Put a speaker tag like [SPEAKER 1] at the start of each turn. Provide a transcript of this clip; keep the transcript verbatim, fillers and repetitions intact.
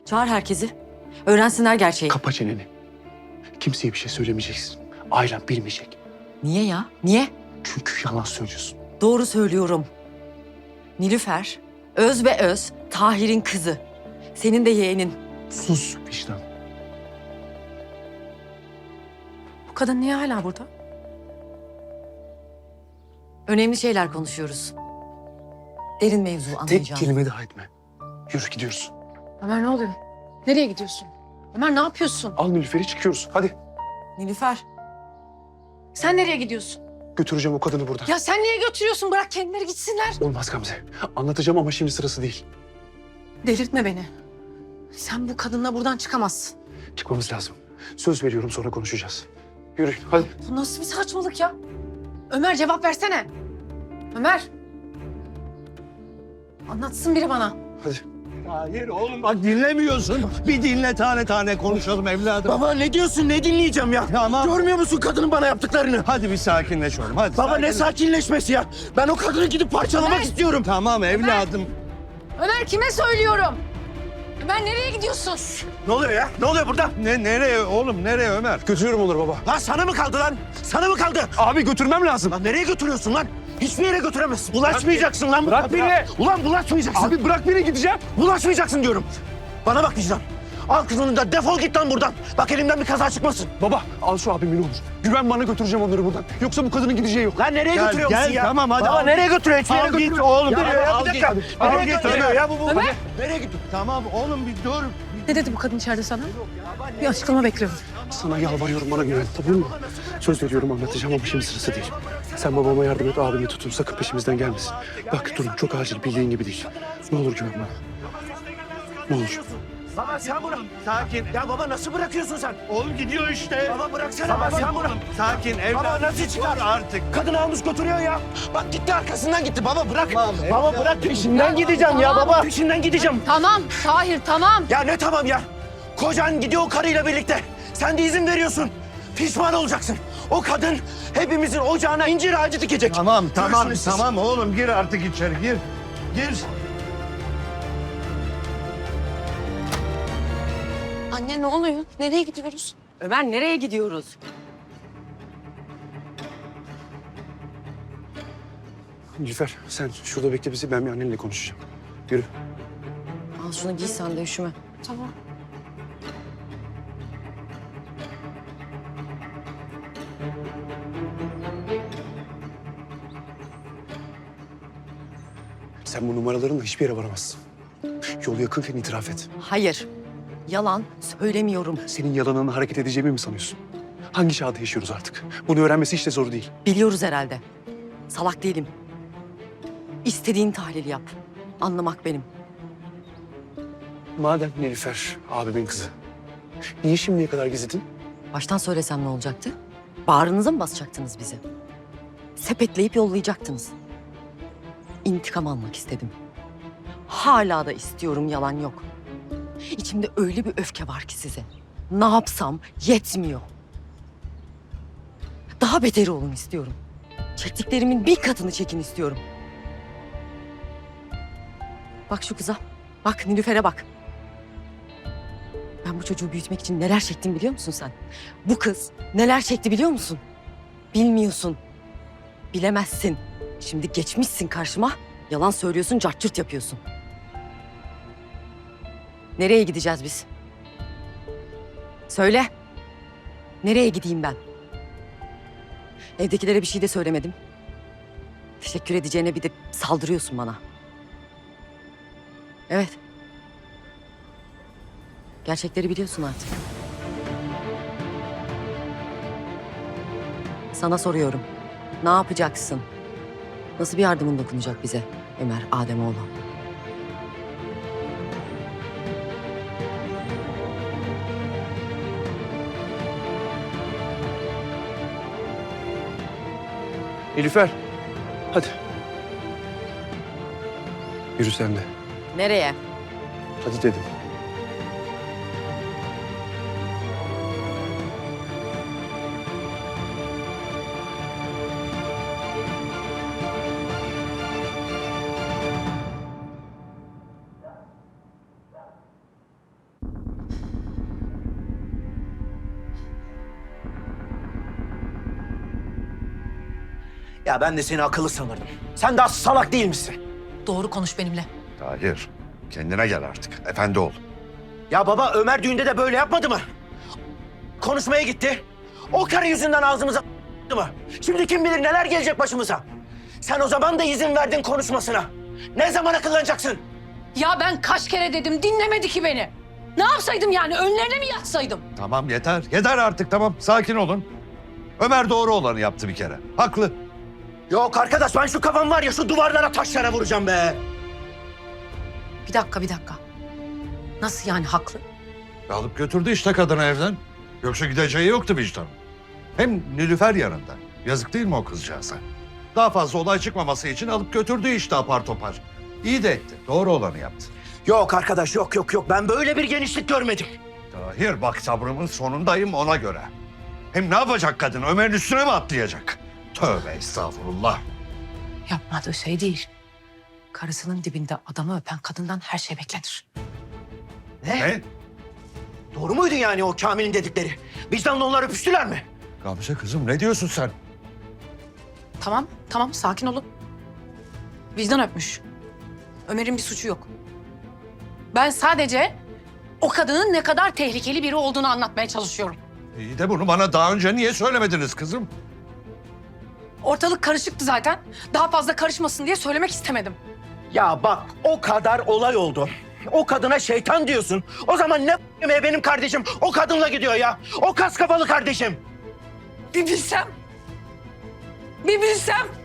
[SPEAKER 1] Çağır herkesi. Öğrensinler gerçeği.
[SPEAKER 2] Kapa çeneni. Kimseye bir şey söylemeyeceksin. Ailem bilmeyecek.
[SPEAKER 1] Niye ya? Niye?
[SPEAKER 2] Çünkü yalan söylüyorsun.
[SPEAKER 1] Doğru söylüyorum. Nilüfer, öz ve öz, Tahir'in kızı. Senin de yeğenin.
[SPEAKER 2] Sus vicdan.
[SPEAKER 3] Bu kadın niye hala burada?
[SPEAKER 1] Önemli şeyler konuşuyoruz. Derin mevzu
[SPEAKER 2] Tek
[SPEAKER 1] anlayacağım.
[SPEAKER 2] kelime daha etme. Yürü gidiyoruz.
[SPEAKER 3] Ömer ne oluyor? Nereye gidiyorsun? Ömer ne yapıyorsun?
[SPEAKER 2] Al Nilüfer'i çıkıyoruz. Hadi.
[SPEAKER 1] Nilüfer,
[SPEAKER 3] Sen nereye gidiyorsun?
[SPEAKER 2] Götüreceğim o kadını buradan.
[SPEAKER 3] Ya sen niye götürüyorsun? Bırak kendileri gitsinler.
[SPEAKER 2] Olmaz Gamze. Anlatacağım ama şimdi sırası değil.
[SPEAKER 3] Delirtme beni. Sen bu kadınla buradan çıkamazsın.
[SPEAKER 2] Çıkmamız lazım. Söz veriyorum, sonra konuşacağız. Yürü hadi.
[SPEAKER 3] Bu nasıl bir saçmalık ya? Ömer cevap versene. Ömer. Anlatsın biri bana.
[SPEAKER 2] Hadi.
[SPEAKER 4] Hayır oğlum bak dinlemiyorsun. Bir dinle tane tane konuşalım evladım.
[SPEAKER 5] Baba ne diyorsun? Ne dinleyeceğim ya?
[SPEAKER 4] Tamam.
[SPEAKER 5] Görmüyor musun kadının bana yaptıklarını?
[SPEAKER 4] Hadi bir sakinleş oğlum hadi.
[SPEAKER 5] Baba ne
[SPEAKER 4] sakinleş.
[SPEAKER 5] sakinleşmesi ya? Ben o kadını gidip parçalamak
[SPEAKER 3] Ömer!
[SPEAKER 5] istiyorum.
[SPEAKER 4] Tamam evladım.
[SPEAKER 3] Ömer kime söylüyorum? Ömer nereye gidiyorsun?
[SPEAKER 5] Ne oluyor ya? Ne oluyor burada?
[SPEAKER 4] Ne nereye oğlum nereye Ömer?
[SPEAKER 2] Götürüyorum onları baba.
[SPEAKER 5] Lan sana mı kaldı lan? Sana mı kaldı?
[SPEAKER 2] Abi götürmem lazım.
[SPEAKER 5] Lan nereye götürüyorsun lan? Hiçbir yere götüremezsin. Bulaşmayacaksın lan bu
[SPEAKER 2] Bırak
[SPEAKER 5] kadına.
[SPEAKER 2] beni.
[SPEAKER 5] Ulan bulaşmayacaksın.
[SPEAKER 2] Abi bırak beni, gideceğim.
[SPEAKER 5] Bulaşmayacaksın diyorum. Bana bak vicdan. Al kızını da defol git lan buradan. Bak elimden bir kaza çıkmasın.
[SPEAKER 2] Baba al şu abimi ne olur. Güven bana, götüreceğim onları buradan. Yoksa bu kadının gideceği yok.
[SPEAKER 5] Lan nereye
[SPEAKER 4] Gel,
[SPEAKER 5] götürüyor
[SPEAKER 4] gel,
[SPEAKER 5] musun ya?
[SPEAKER 4] tamam, hadi
[SPEAKER 5] Baba
[SPEAKER 4] al
[SPEAKER 5] nereye götürüyor? Hiçbir yere
[SPEAKER 4] Al git
[SPEAKER 5] götürmüyor.
[SPEAKER 4] oğlum.
[SPEAKER 5] Ya,
[SPEAKER 4] Nereye?
[SPEAKER 5] ya,
[SPEAKER 4] Al
[SPEAKER 5] bir dakika.
[SPEAKER 4] git.
[SPEAKER 5] Nereye
[SPEAKER 4] Al git,
[SPEAKER 5] götürüyor
[SPEAKER 4] Ömer.
[SPEAKER 5] ya bu? bu?
[SPEAKER 3] Ömer.
[SPEAKER 5] Nereye gidiyor?
[SPEAKER 4] Tamam oğlum bir dur.
[SPEAKER 3] Ne dedi bu kadın içeride sana? Bir açıklama bekliyorum.
[SPEAKER 2] Sana yalvarıyorum, bana güven, tamam mı? Söz veriyorum, anlatacağım ama şimdi sırası değil. Sen babama yardım et, abimi tutun. Sakın peşimizden gelmesin. Bak durum çok acil, bildiğin gibi değil. Ne olur güven bana. Ne olur.
[SPEAKER 5] Baba sen bunu...
[SPEAKER 4] Sakin.
[SPEAKER 5] Ya baba nasıl bırakıyorsun sen?
[SPEAKER 4] Oğlum gidiyor işte.
[SPEAKER 5] Baba bıraksana
[SPEAKER 4] Tamam,
[SPEAKER 5] baba sen bunu...
[SPEAKER 4] Sakin evladım.
[SPEAKER 5] Baba nasıl çıkar?
[SPEAKER 4] Dur artık.
[SPEAKER 5] Kadını almış götürüyor ya. Bak gitti arkasından gitti. Baba bırak.
[SPEAKER 4] Tamam,
[SPEAKER 5] Baba
[SPEAKER 4] evladım.
[SPEAKER 5] bırak peşinden gideceğim ya
[SPEAKER 3] tamam.
[SPEAKER 5] baba. Peşinden gideceğim.
[SPEAKER 3] Tamam Tahir tamam.
[SPEAKER 5] Ya ne tamam ya? Kocan gidiyor o karıyla birlikte. Sen de izin veriyorsun. Pişman olacaksın. O kadın hepimizin ocağına incir ağacı dikecek.
[SPEAKER 4] Tamam tamam
[SPEAKER 5] Görürsünüz siz.
[SPEAKER 4] tamam oğlum gir artık içeri gir. Gir.
[SPEAKER 6] Anne ne oluyor? Nereye gidiyoruz?
[SPEAKER 1] Ömer nereye gidiyoruz?
[SPEAKER 2] Nilüfer sen şurada bekle bizi, ben bir annenle konuşacağım. Yürü.
[SPEAKER 1] Al şunu giy sen de, üşüme.
[SPEAKER 6] Tamam.
[SPEAKER 2] Sen bu numaralarınla hiçbir yere varamazsın. Yol yakınken itiraf et.
[SPEAKER 1] Hayır, yalan söylemiyorum.
[SPEAKER 2] Senin yalanına hareket edeceğimi mi sanıyorsun? Hangi çağda yaşıyoruz artık? Bunu öğrenmesi hiç de zor değil.
[SPEAKER 1] Biliyoruz herhalde. Salak değilim. İstediğin tahlil yap. Anlamak benim.
[SPEAKER 2] Madem Nilüfer abimin kızı, niye şimdiye kadar gizledin?
[SPEAKER 1] Baştan söylesem ne olacaktı? Bağrınıza mı basacaktınız bizi? Sepetleyip yollayacaktınız. İntikam almak istedim. Hala da istiyorum, yalan yok. İçimde öyle bir öfke var ki size. Ne yapsam yetmiyor. Daha beteri olun istiyorum. Çektiklerimin bir katını çekin istiyorum. Bak şu kıza. Bak Nilüfer'e bak. Ben bu çocuğu büyütmek için neler çektim biliyor musun sen? Bu kız neler çekti biliyor musun? Bilmiyorsun. Bilemezsin. Şimdi geçmişsin karşıma. Yalan söylüyorsun, cart curt yapıyorsun. Nereye gideceğiz biz? Söyle. Nereye gideyim ben? Evdekilere bir şey de söylemedim. Teşekkür edeceğine bir de saldırıyorsun bana. Evet. Gerçekleri biliyorsun artık. Sana soruyorum. Ne yapacaksın? Nasıl bir yardımın dokunacak bize Ömer Ademoğlu?
[SPEAKER 2] Nilüfer, hadi. Yürü sen de.
[SPEAKER 1] Nereye?
[SPEAKER 2] Hadi dedim.
[SPEAKER 5] Ya ben de seni akıllı sanırdım. Sen daha salak değil misin?
[SPEAKER 3] Doğru konuş benimle.
[SPEAKER 7] Tahir, kendine gel artık. Efendi ol.
[SPEAKER 5] Ya baba Ömer düğünde de böyle yapmadı mı? Konuşmaya gitti. O karı yüzünden ağzımıza mı? Şimdi kim bilir neler gelecek başımıza. Sen o zaman da izin verdin konuşmasına. Ne zaman akıllanacaksın?
[SPEAKER 3] Ya ben kaç kere dedim dinlemedi ki beni. Ne yapsaydım yani önlerine mi yatsaydım?
[SPEAKER 7] Tamam yeter. Yeter artık tamam. Sakin olun. Ömer doğru olanı yaptı bir kere. Haklı.
[SPEAKER 5] Yok arkadaş ben şu kafam var ya şu duvarlara taşlara vuracağım be.
[SPEAKER 3] Bir dakika bir dakika. Nasıl yani haklı?
[SPEAKER 7] Alıp götürdü işte kadını evden. Yoksa gideceği yoktu vicdan. Hem Nilüfer yanında. Yazık değil mi o kızcağıza? Daha fazla olay çıkmaması için alıp götürdü işte apar topar. İyi de etti. Doğru olanı yaptı.
[SPEAKER 5] Yok arkadaş yok yok yok ben böyle bir genişlik görmedim.
[SPEAKER 7] Tahir bak sabrımın sonundayım ona göre. Hem ne yapacak kadın? Ömer'in üstüne mi atlayacak? Tövbe estağfurullah.
[SPEAKER 3] Yapmadığı şey değil. Karısının dibinde adamı öpen kadından her şey beklenir.
[SPEAKER 5] Ne?
[SPEAKER 7] Ne?
[SPEAKER 5] Doğru muydu yani o Kamil'in dedikleri? Vicdanla onlar öpüştüler mi?
[SPEAKER 7] Gamze kızım ne diyorsun sen?
[SPEAKER 3] Tamam, tamam sakin olun. Vicdan öpmüş. Ömer'in bir suçu yok. Ben sadece o kadının ne kadar tehlikeli biri olduğunu anlatmaya çalışıyorum.
[SPEAKER 7] İyi de bunu bana daha önce niye söylemediniz kızım?
[SPEAKER 3] Ortalık karışıktı zaten. Daha fazla karışmasın diye söylemek istemedim.
[SPEAKER 5] Ya bak o kadar olay oldu. O kadına şeytan diyorsun. O zaman ne yemeğe benim kardeşim o kadınla gidiyor ya. O kas kafalı kardeşim.
[SPEAKER 3] Bir bilsem. Bir bilsem.